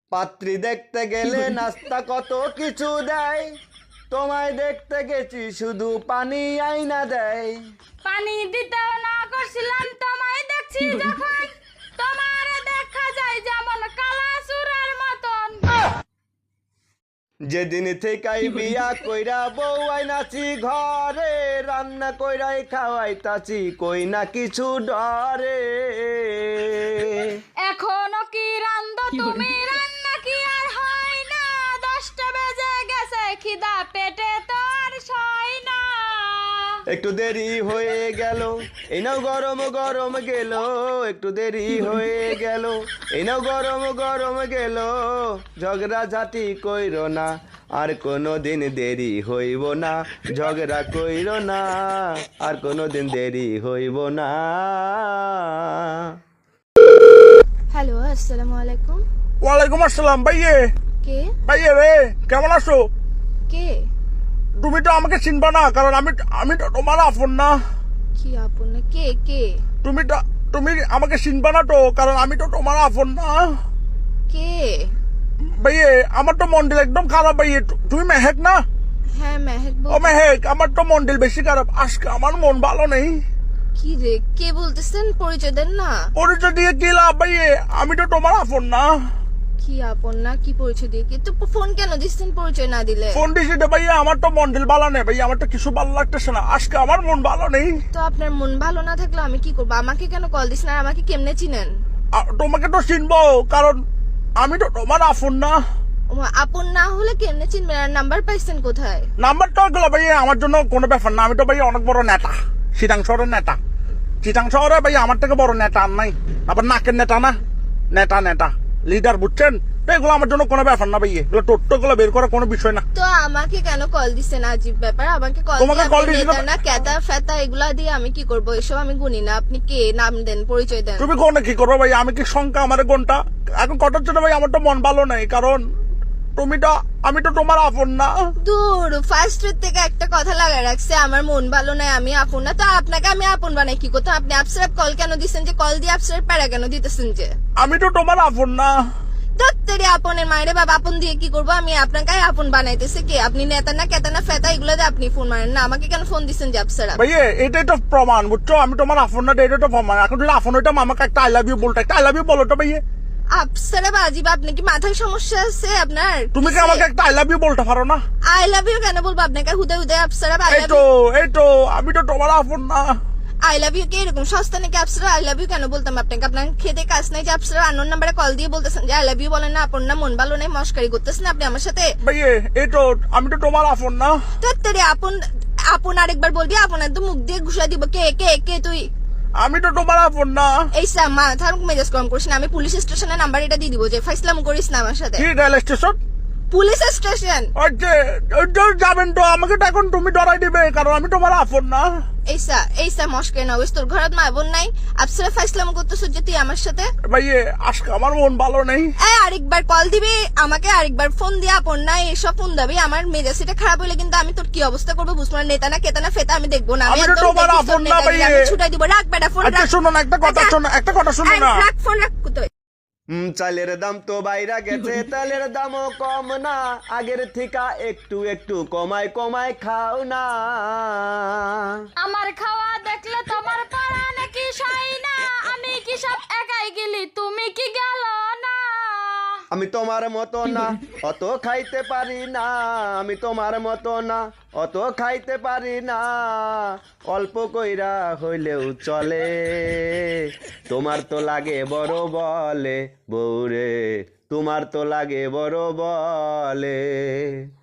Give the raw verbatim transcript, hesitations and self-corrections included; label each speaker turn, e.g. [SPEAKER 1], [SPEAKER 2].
[SPEAKER 1] পাত্রী দেখতে গেলে নাস্তা কত কিছু দেয়, তোমায় দেখতে গেছি শুধু পানি আইনা দেয়।
[SPEAKER 2] পানি দিতেও না করছিলাম, তোমায় দেখছি যখন তোমার দেখা যায় যেমন কালা সুরার মতন।
[SPEAKER 1] যেদিন থেকেই বিয়া কইরা বউ আইনাছি ঘরে, রান্না কইরাই খাওয়াইতাছি কই না কিছু ডরে।
[SPEAKER 2] এখনো কি রান্ধো তুমি, রান্না কি আর হয় না? দশটা বেজে গেছে, খিদা পেটে তো আর সয় না।
[SPEAKER 1] একটু দেরি হয়ে গেল, এই নাও গরম গরম গেল, একটু দেরি হয়ে গেল, এই নাও গরম গরম গেল। ঝগড়া ঝাঁটি কইরো না, আর কোনো দিন দেরি হইব না। ঝগড়া কইরো না, আর কোনো দিন দেরি হইব না।
[SPEAKER 2] হ্যালো, আসসালামু আলাইকুম।
[SPEAKER 3] ওয়ালাইকুম আসসালাম। ভাইয়ে
[SPEAKER 2] কে
[SPEAKER 3] ভাইয়ে রে, কেমন আছো?
[SPEAKER 2] কে
[SPEAKER 3] তুমি তো আমাকে চিনবা না, কারণ আমি আমি তো তোমার আপন না।
[SPEAKER 2] কি আপন না? কে কে
[SPEAKER 3] তুমি তো তুমি আমাকে চিনবা না তো, কারণ আমি তো তোমার আপন না।
[SPEAKER 2] কে?
[SPEAKER 3] ভাইয়ে আমার তো মন্ডল একদম খারাপ। ভাইয়ে তুমি মেহেক না?
[SPEAKER 2] হ্যাঁ মেহেক
[SPEAKER 3] ও
[SPEAKER 2] বল।
[SPEAKER 3] মেহেক, আমার তো মন্ডল বেশি খারাপ। আজকে আমার মন ভালো নেই।
[SPEAKER 2] কি রে, কে বলতেছেন? পরিচয় দেন না।
[SPEAKER 3] পরিচয় দিয়ে কি লাভ ভাইয়ে? আমি তো তোমার আপন না।
[SPEAKER 2] কি আপন না? কি পরিচয় দিয়ে? কি তো ফোন কেন দিচ্ছেন পরিচয় না দিলে?
[SPEAKER 3] ফোন দিছি রে ভাইয়া, আমার তো মন্ডল ভালো নেই ভাইয়া, আমার তো কিছু ভালো লাগতেছে না। আজকে আমার মন ভালো নেই।
[SPEAKER 2] তো আপনার মন ভালো না থাকলে আমি কি করবো? আমাকে কেন কল দিচ্ছেন আর আমাকে কেমনে চিনেন?
[SPEAKER 3] আ- তোমাকে তো চিনবো, কারণ আমি তো তোমার আপন না।
[SPEAKER 2] ও মা, আপন না হলে কেমনে চিনবেন? আর নাম্বার পাইছেন কোথায়?
[SPEAKER 3] নাম্বারটা গুলো ভাইয়া আমার জন্য কোনো ব্যাপার না। আমি তো ভাইয়া অনেক বড় নেতা, চিটাং শহরের নেতা। চিটাং শহরে ভাইয়া আমার থেকে বড় নেতা আর নাই। আবার নাকের নেতা না, নেতা নেতা লিডার, বুঝছেন? তো এগুলো আমার জন্য কোনো ব্যাপার না ভাইয়া, এগুলো টোট্টো গুলো বের করার কোনো বিষয় না।
[SPEAKER 2] তো আমাকে কেন কল দিচ্ছেন? আজীব ব্যাপার। আমাকে কল
[SPEAKER 3] তোমাকে
[SPEAKER 2] দিয়ে
[SPEAKER 3] call
[SPEAKER 2] আপনি
[SPEAKER 3] দিছি
[SPEAKER 2] নেতা
[SPEAKER 3] না-
[SPEAKER 2] না ক্যাতা ফেতা এগুলা দিয়ে আমি কি করবো? এসব আমি গুনি না। আপনি কে? নাম দেন, পরিচয় দেন।
[SPEAKER 3] তুমি কোনে কি করবো ভাইয়া? আমি কি সংখ্যা আমার ঘন্টা এখন কটার জন্য ভাই? আমার তো মন ভালো নাই, কারণ তুমি তো আমি তো তোমার আপন না।
[SPEAKER 2] দূর, ফার্স্ট থেকে একটা কথা লাগায় রাখছে, আমার মন ভালো নাই, আমি আপন না। তো আপনাকে আমি আপন বানাই কি করতে? আপনি আপসারাপ কল কেন দিচ্ছেন? যে কল দিয়ে আপসারাপ প্যারা কেন দিতেছেন? যে
[SPEAKER 3] আমি তো তোমার আপন না।
[SPEAKER 2] দত্তরে আপনের মায়েরে বাবা, আপন দিয়ে কি করবো? আমি আপনাকে আপন বানাইতেছে কে? আপনি নেতা না কেতা না ফেতা এগুলো দিয়ে আপনি ফোন মারেন না। আমাকে কেন ফোন দিচ্ছেন যে আপসারাপ?
[SPEAKER 3] ভাইয়া এটাই তো প্রমাণ, বুঝছো? আমি তোমার আপন না, এটাই তো প্রমাণ। এখন যদি আপন হইতাম আমাকে একটা আই লাভ ইউ বলতো, একটা আই লাভ ইউ বলো তো ভাইয়া।
[SPEAKER 2] আপসারাপ আজিব, আপনি কি মাথায় সমস্যা আছে আপনার?
[SPEAKER 3] তুমি কি আমাকে একটা আই লাভ ইউ বলতে পারো না?
[SPEAKER 2] আই লাভ ইউ কেন বলবো আপনাকে? হুদে হুদে আপসারাপ আই
[SPEAKER 3] এই
[SPEAKER 2] লাভ
[SPEAKER 3] তো
[SPEAKER 2] ইউ।
[SPEAKER 3] এই তো আমি তো তোমার আপন না।
[SPEAKER 2] আই লাভ ইউ কে এরকম সস্তা নাকি? আপসারা আই লাভ ইউ কেন বলতাম আপনাকে? আপনার খেতে কাজ নাই যে আপসারা আননোন নাম্বারে কল দিয়ে বলতেছেন যে আই লাভ ইউ বলেন না? আপন না, মন ভালো নেই, মস্কারি করতেছেন আপনি আমার সাথে।
[SPEAKER 3] ভাইয়া এই তো আমি তো তোমার আপন না।
[SPEAKER 2] দত্তরে আপন আপন আরেকবার বলবি, আপন একদম মুখ দিয়ে ঘুষা দিব। কে কে কে তুই?
[SPEAKER 3] আমি তো তোমার আপন না।
[SPEAKER 2] এই স্যার মাথার মেজাজ কম করিস না। আমি পুলিশ স্টেশনের নাম্বার এটা দিয়ে দিব, যে ফাইসলাম করিস না আমার সাথে।
[SPEAKER 3] কি রেল স্টেশন?
[SPEAKER 2] Police station.
[SPEAKER 3] ওই যে ওই যে যাবেন তো, আমাকে তো এখন তুমি ডরাই দিবে, কারণ আমি তোমার আপন না।
[SPEAKER 2] এই স্যার এই স্যার মস্কারি না হইস। তোর ঘরত মা বোন নাই? আপসারা ফাইসলাম করতেছ যে তুই আমার সাথে।
[SPEAKER 3] ভাইয়া আজকে আমার মন ভালো নেই।
[SPEAKER 2] এই আরেকবার কল দিবি আমাকে, আরেকবার ফোন দিয়ে আপন না এসব ফোন দিবি। আমার মেজাজটা খারাপ হইলে কিন্তু আমি তোর কি অবস্থা করবো বুঝবো না। নেতা না কেতা না ফেতা আমি দেখবো না।
[SPEAKER 3] আমি তো
[SPEAKER 2] একদম
[SPEAKER 3] তোমার
[SPEAKER 2] দেখিস তোর
[SPEAKER 3] আপন না
[SPEAKER 2] নেতাগিরি,
[SPEAKER 3] ভাইয়ে।
[SPEAKER 2] আমি ছুটাই দিব। রাখ বেটা ফোন,
[SPEAKER 3] আচ্ছা
[SPEAKER 2] রাখ।
[SPEAKER 3] শোনো না, একটা কথা
[SPEAKER 2] আচ্ছা।
[SPEAKER 3] শোনো, একটা কথা শোনো
[SPEAKER 2] এই,
[SPEAKER 3] না।
[SPEAKER 2] রাখ ফোন, রাখ। কোথায়?
[SPEAKER 1] হুম, চালের দাম তো বাইরা গেছে, তেলের দামও কম না। আগের থিকা একটু একটু কমায় কমায় খাও না।
[SPEAKER 2] আমার খাওয়া দেখলে তোমার পাড়া নাকি সয় না? আমি কি সব একাই গেলি, তুমি কি গেল না?
[SPEAKER 1] আমি তোমার মতো না, অত খাইতে পারি না। আমি তোমার মতো না, অত খাইতে পারি না। অল্প কইরা হইলেও চলে, তোমার তো লাগে বড় বলে বউরে, তোমার তো লাগে বড় বলে।